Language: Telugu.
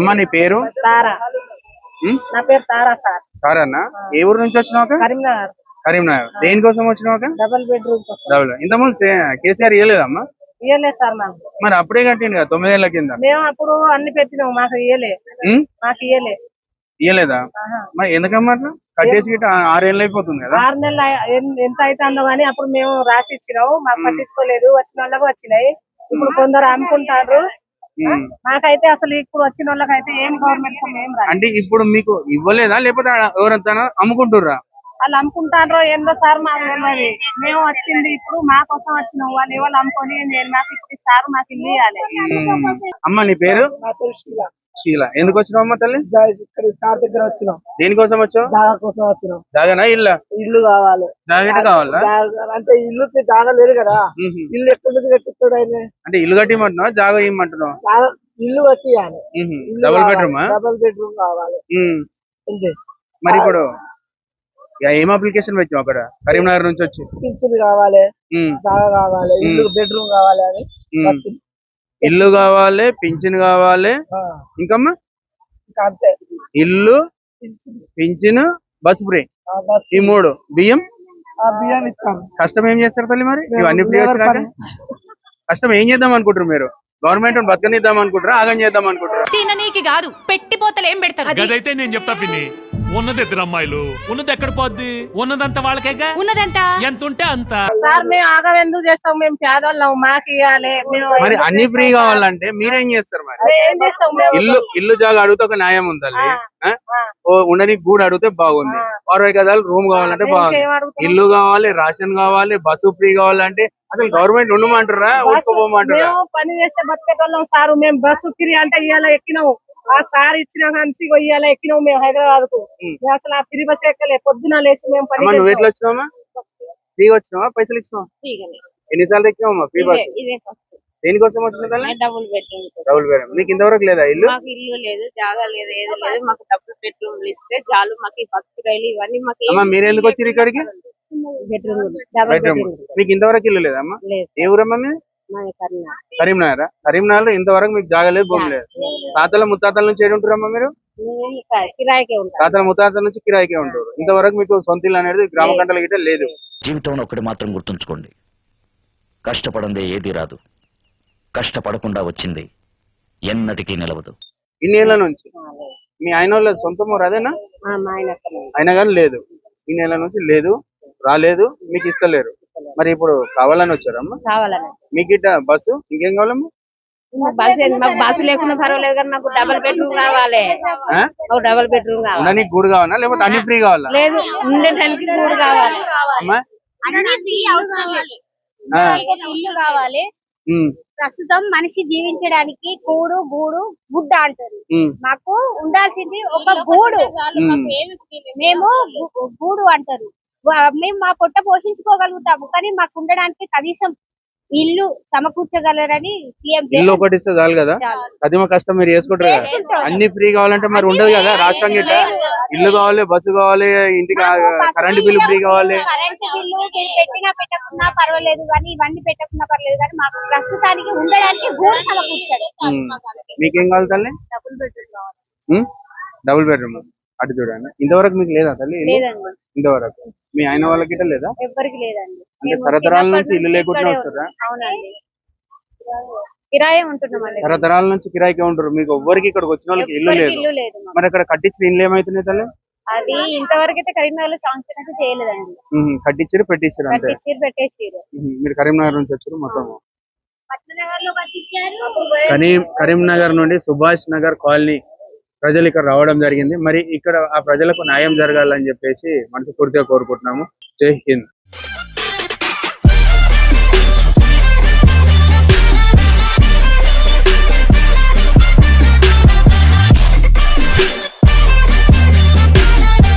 అమ్మ నీ పేరు? తారా. నా పేరు తారా సార్. తారన్నా, ఏ ఊరు నుంచి వచ్చినావు? కరీంనగర్. కరీంనగర్. దేనికోసం వచ్చినావు? Double bedroom. డబుల్. ఇంతకుముందు కేసీఆర్ ఇవ్వలేదమ్మా? ఇయ్యలేదు సార్ మాకు. మరి అప్పుడే కట్టిండు కదా 9 ఏళ్ల కింద. మేము అప్పుడు అన్ని పెట్టినాము, మాకు ఇయ్యలేదా? మరి ఎందుకమ్మా అట్లా కట్టేసి 6 ఏళ్ళు అయిపోతుంది కదా? 6 నెలలు ఎంత అవుతుందో కానీ అప్పుడు మేము రాసి ఇచ్చినాము, మాకు పట్టించుకోలేదు. వచ్చిన వాళ్ళకు వచ్చినాయి, ఇప్పుడు కొందరు అమ్ముకుంటారు. మాకైతే అసలు ఇప్పుడు వచ్చిన వాళ్ళకైతే ఏం గవర్నమెంట్ ఏం రాదు. అంటే ఇప్పుడు మీకు ఇవ్వలేదా లేకపోతే ఎవరంతా అమ్ముకుంటుర్రా? వాళ్ళు అమ్ముకుంటారో ఏందో సార్ మాకు తెలియదు. మేము వచ్చింది ఇప్పుడు మా కోసం వచ్చినాం, వాళ్ళు ఎవరు అమ్ముకొని మాకు ఇప్పుడు ఇస్తారు, మాకు ఇల్లు ఇవ్వాలి. అమ్మ నీ పేరు? శీల. ఎందుకు వచ్చినావు అమ్మ తల్లి? ఇక్కడ సార్ దగ్గర వచ్చినాం. దేనికోసం వచ్చావు? జాగా కోసం వచ్చినాం. జాగానా ఇల్లు? ఇల్లు కావాలి. జాగా కావాలా? అంటే ఇల్లు జాగా లేదు కదా, ఇల్లు ఎక్కడి నుంచి కట్టిస్తాడు ఆయన? అంటే ఇల్లు కట్టిమంటున్నావా జాగా ఇమ్మంటున్నావు? ఇల్లు కట్టియాలి. Double bedroom? డబుల్ బెడ్రూమ్ కావాలి. మరి ఇప్పుడు ఏం అప్లికేషన్ పెట్టావు అక్కడ కరీంనగర్ నుంచి వచ్చి? పింఛన్ కావాలి, జాగా కావాలి, ఇల్లు బెడ్రూమ్ కావాలి అని వచ్చింది. ఇల్లు కావాలి, పింఛన్ కావాలి, ఇంకమ్మా ఇల్లు, పింఛన్, బస్ ఫ్రీ, ఈ 3. బియ్యం ఇస్తాం. కష్టం ఏం చేస్తారు తల్లి మరి ఇవన్నీ ఫ్రీ వచ్చినాక? కష్టం ఏం చేద్దాం అనుకుంటారు మీరు? గవర్నమెంట్ బతకనిద్దాం అనుకుంటారా, ఆగం చేద్దాం అనుకుంటారా? తిననీకి కాదు, పెట్టి పోతలు ఏం పెడతారు? గదైతే నేను చెప్తా పిన్ని, ఉన్నది 2 అమ్మాయిలు, ఉన్నది ఎక్కడ పోద్ది? ఉన్నదంతా వాళ్ళకేగా. ఉన్నదంతా ఎంత ఉంటే అంత. సార్ మేము ఆగం ఎందుకు చేస్తాం? మేము పేదవాళ్ళం, మాకు ఇవ్వాలి. మరి అన్ని ఫ్రీ కావాలంటే మీరేం చేస్తారు మరి? ఏం చేస్తాం? ఇల్లు జాగా అడిగితే ఒక న్యాయం ఉందండి. ఉండని గూడు అడిగితే బాగుంది. 60 గదాలు రూమ్ కావాలంటే బాగుంది. ఇల్లు కావాలి, రేషన్ కావాలి, బస్సు ఫ్రీ కావాలంటే అసలు గవర్నమెంట్ ఉండమంటారా ఊసుకోపోమంటారా? పని చేస్తే బతికేటోళ్ళం సార్. మేము బస్సు ఫ్రీ అంటే ఇవాళ ఎక్కినాము, ఆ సార్ ఇచ్చిన నుంచి ఇవాళ ఎక్కినాము మేము హైదరాబాద్ కు. అసలు ఆ ఫ్రీ బస్ ఎక్కలే, పొద్దున లేచి మేము పని. నువ్వు ఎట్లా వచ్చినావా? ఫ్రీగా వచ్చినావా? పైసలు ఇచ్చినావా? ఎన్నిసార్లు ఎక్కినావా ఫ్రీ బస్? దేనికోసం వచ్చిన? Double bedroom. Double bedroom. మీకు ఇంతవరకు లేదా ఇల్లు? మాకు ఇల్లు లేదు, జాగా లేదు, ఏది లేదు. మాకు డబుల్ బెడ్రూమ్ ఇస్తే చాలు. మాకు ఈ బస్ రైలు ఇవన్నీ మాకు. మీరు ఎందుకు వచ్చారు ఇక్కడికి? బెడ్రూమ్. మీకు ఇంతవరకు ఇల్లు లేదమ్మా? ఏ ఊరమ్మా మీరు? కరీంనగర్. కరీంనగర్ ఇంతవరకు మీకు జాగా లేదు, భూమి లేదు. తాతల ముత్తాతల నుంచి ఏడు ఉంటారమ్మా మీరు? తాతల ముత్తాతల నుంచి కిరాయికే ఉంటారు. ఇంతవరకు మీకు సొంత ఇల్లు అనేది గ్రామ కంటల గిట్ట లేదు. జీవితంలో ఒకటి మాత్రం గుర్తుంచుకోండి, కష్టపడందే ఏది రాదు, కష్టపడకుండా వచ్చింది ఎన్నటికీ నిలవదు. ఇన్ని ఏళ్ల నుంచి మీ ఆయన వాళ్ళ సొంత ఊరు అదేనా? ఆయన కానీ లేదు, ఈ నెల నుంచి లేదు, రాలేదు, మీకు ఇస్తలేరు. మరి ఇప్పుడు కావాలని వచ్చారమ్మా? మీకు ఇట్లా బస్సు ఇంకేం కావాలమ్మా? బస్సు లేకుండా పర్వాలేదు కానీ మాకు డబుల్ బెడ్రూమ్ కావాలి. డబుల్ బెడ్రూమ్ కావాలి. గూడు కావాలా లేకపోతే అన్ని ఫ్రీ కావాలా? లేదు, ఉండేటానికి గూడు కావాలి. ఇల్లు కావాలి. ప్రస్తుతం మనిషి జీవించడానికి కూడు గూడు గుడ్డ అంటారు. మాకు ఉండాల్సింది ఒక గూడు. మేము గూడు అంటారు. మేము మా పొట్ట పోషించుకోగలుగుతాము, కానీ మాకు ఉండడానికి కనీసం ఇల్లు సమకూర్చగలరని సీఎం. ఇల్లు ఒకటి ఇస్తే చాలు కదా, అది మా కష్టం మీరు చేసుకుంటారు కదా. అన్ని ఫ్రీ కావాలంటే మరి ఉండదు కదా రాష్ట్రం గిట్ట. ఇల్లు కావాలి, బస్సు కావాలి, ఇంటికి కరెంట్ బిల్లు ఫ్రీ కావాలి. కరెంట్ బిల్లు పెట్టినా పెట్టకున్నా పర్వాలేదు కానీ, ఇవన్నీ పెట్టకున్నా పర్లేదు కానీ మాకు ప్రస్తుతానికి ఉండడానికి గూడు సమకూర్చాడు. మీకేం కావాలి తల్లి? Double bedroom. అటు చూడండి. ఇంతవరకు మీకు లేదా తల్లి? ఇంతవరకు మీ ఆయన వాళ్ళకి గిట్ట లేదా? ఎవరికి లేదండి. అంటే తరతరాల నుంచి ఇల్లు లేకుండా వస్తారా? అవునండి, కిరాయి ఉంటున్నామండి. తరతరాల నుంచి కిరాయికే ఉంటారు. మీకు ఎవ్వరికి ఇక్కడికి వచ్చిన వాళ్ళకి ఇల్లు లేదు. మరి అక్కడ కట్టించిన ఇల్లు ఏమైతున్నాయి తల్లి? అది ఇంతవరకు అయితే కరీంనగర్ లో శాంక్షన్ అయితే చేయలేదండి. కట్టించారు, పెట్టించారు అంతే. పెట్టేసారు. మీరు కరీంనగర్ నుంచి వచ్చారు మొత్తం. కరీంనగర్ నుండి సుభాష్ నగర్ కాలనీ ప్రజలు ఇక్కడ రావడం జరిగింది. మరి ఇక్కడ ఆ ప్రజలకు న్యాయం జరగాలని చెప్పేసి మనస్ఫూర్తిగా కోరుకుంటున్నాము. జై హింద్.